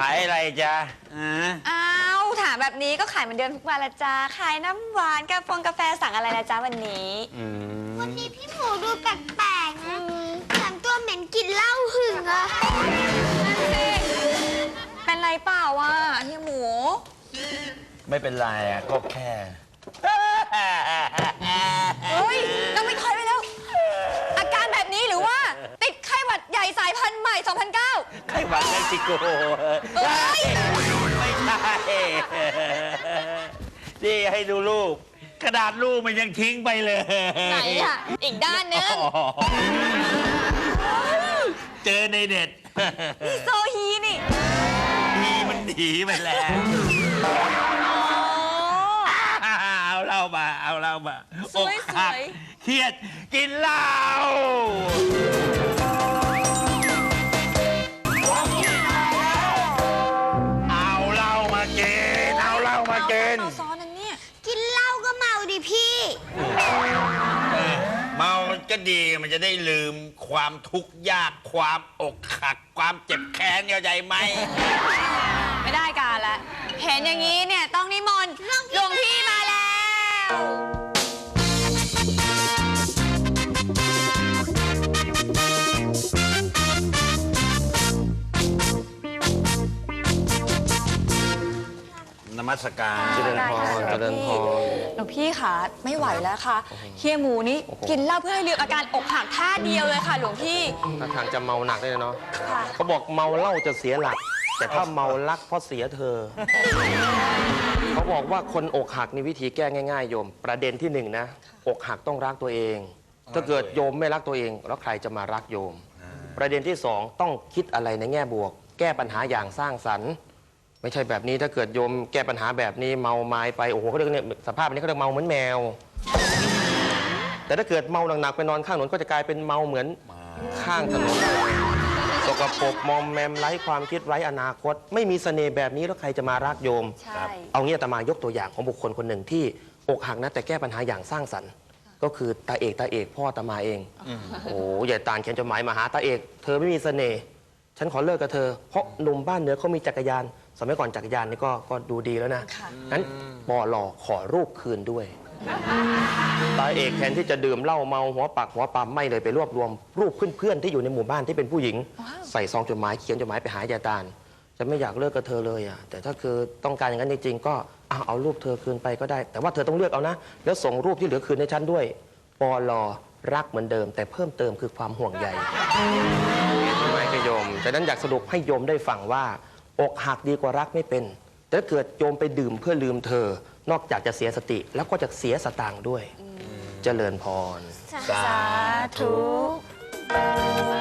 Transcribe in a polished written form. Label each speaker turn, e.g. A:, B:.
A: ายอะไรจ๊ะ
B: อ้าวถามแบบนี้ก็ขายเหมือนเดิมทุกวันละจ้าขายน้ำหวานกาแฟสั่งอะไรละจ้าวันนี้
C: วันนี้พี่หมูดูแปลกๆนะทำตัวเหม็นกินเหล้าหึงอะ
B: เป็นไรเปล่าวะเฮียหมู
A: ไม่เป็นไรอ่ะก็แค่
B: เฮ้ยเราไม่คอยไปแล้ว อาการแบบนี้หรือว่า ติดไข้หวัดใหญ่สายพันธุ์ใหม่ 2009
A: ไข้หวัดเม็กซิโกไม่ใช่นี่ให้ดูรูปกระดาษรูปมันยังทิ้งไปเลย
B: ไหนอ่ะอีกด้านนึง
A: เจอในเน็ต
B: นี่โซฮีนี่
A: มันหนีไปแล้วเอาเหล้ามาอกหักเครียดกินเหล้าเอาเหล้ามากิน
B: ซ้อนนั่นเนี่ย
C: กินเหล้าก็เมาดิพี่
A: เมามันก็ดีมันจะได้ลืมความทุกข์ยากความอกหักความเจ็บแค้นเข้าใจไหม
B: ไม่ได้การละเห็นอย่างนี้เนี่ยต้องนิมนต์หลวงพี่มาแล้ว
A: นมัสการ
B: เจริญพรหลวงพี่ค่ะไม่ไหวแล้วค่ะเฮียหมูนี้กินเหล้าเพื่อให้ลืมอาการอกหักท่าเดียวเลยค่ะหลวงพี่
D: ท่าทางจะเมาหนักเลยเนาะเขาบอกเมาเหล้าจะเสียหลักแต่ถ้าเมารักเพราะเสียเธอเขาบอกว่าคนอกหักนี่วิธีแก้ง่ายๆโยมประเด็นที่หนึ่งนะอกหักต้องรักตัวเองถ้าเกิดโยมไม่รักตัวเองแล้วใครจะมารักโยมประเด็นที่สองต้องคิดอะไรในแง่บวกแก้ปัญหาอย่างสร้างสรรค์ไม่ใช่แบบนี้ถ้าเกิดโยมแก้ปัญหาแบบนี้เมาไม้ไปโอ้โหเขาเรียกเนี่ยสภาพนี้เขาเรียกเมาเหมือนแมวแต่ถ้าเกิดเมาหนักๆไปนอนข้างถนนก็จะกลายเป็นเมาเหมือนข้างถนนสกปรกมอมแมมไร้ความคิดไร้อนาคตไม่มีเสน่ห์แบบนี้แล้วใครจะมารักโยมเอางี้อาตมายกตัวอย่างของบุคคลคนหนึ่งที่อกหักนะแต่แก้ปัญหาอย่างสร้างสรรค์ก็คือตาเอกพ่ออาตมาเองโอ้ใหญ่ตาลเขียนจดหมายมาหาตาเอกเธอไม่มีเสน่ห์ฉันขอเลิกกับเธอเพราะหนุ่มบ้านเหนือเขามีจักรยานสมัยก่อนจักรยานนี่ก็ดูดีแล้วนะนั้นปอหล่อขอรูปคืนด้วยตาเอกแทนที่จะดื่มเหล้าเมาหัวปักหัวปั๊มไม่เลยไปรวบรวมรูปเพื่อนๆที่อยู่ในหมู่บ้านที่เป็นผู้หญิงใส่ซองจดหมายเขียนจดหมายไปหายายตาลจะไม่อยากเลิกกับเธอเลยอ่ะแต่ถ้าคือต้องการอย่างนั้นจริงๆก็เอารูปเธอคืนไปก็ได้แต่ว่าเธอต้องเลือกเอานะแล้วส่งรูปที่เหลือคืนให้ฉันด้วยปอหล่อรักเหมือนเดิมแต่เพิ่มเติมคือความห่วงใยทำไมก็โยมฉะนั้นอยากสรุปให้โยมได้ฟังว่าอกหักดีกว่ารักไม่เป็นแต่ถ้าเกิดโยมไปดื่มเพื่อลืมเธอนอกจากจะเสียสติแล้วก็จะเสียสตางค์ด้วยเจริญพร
B: สาธุ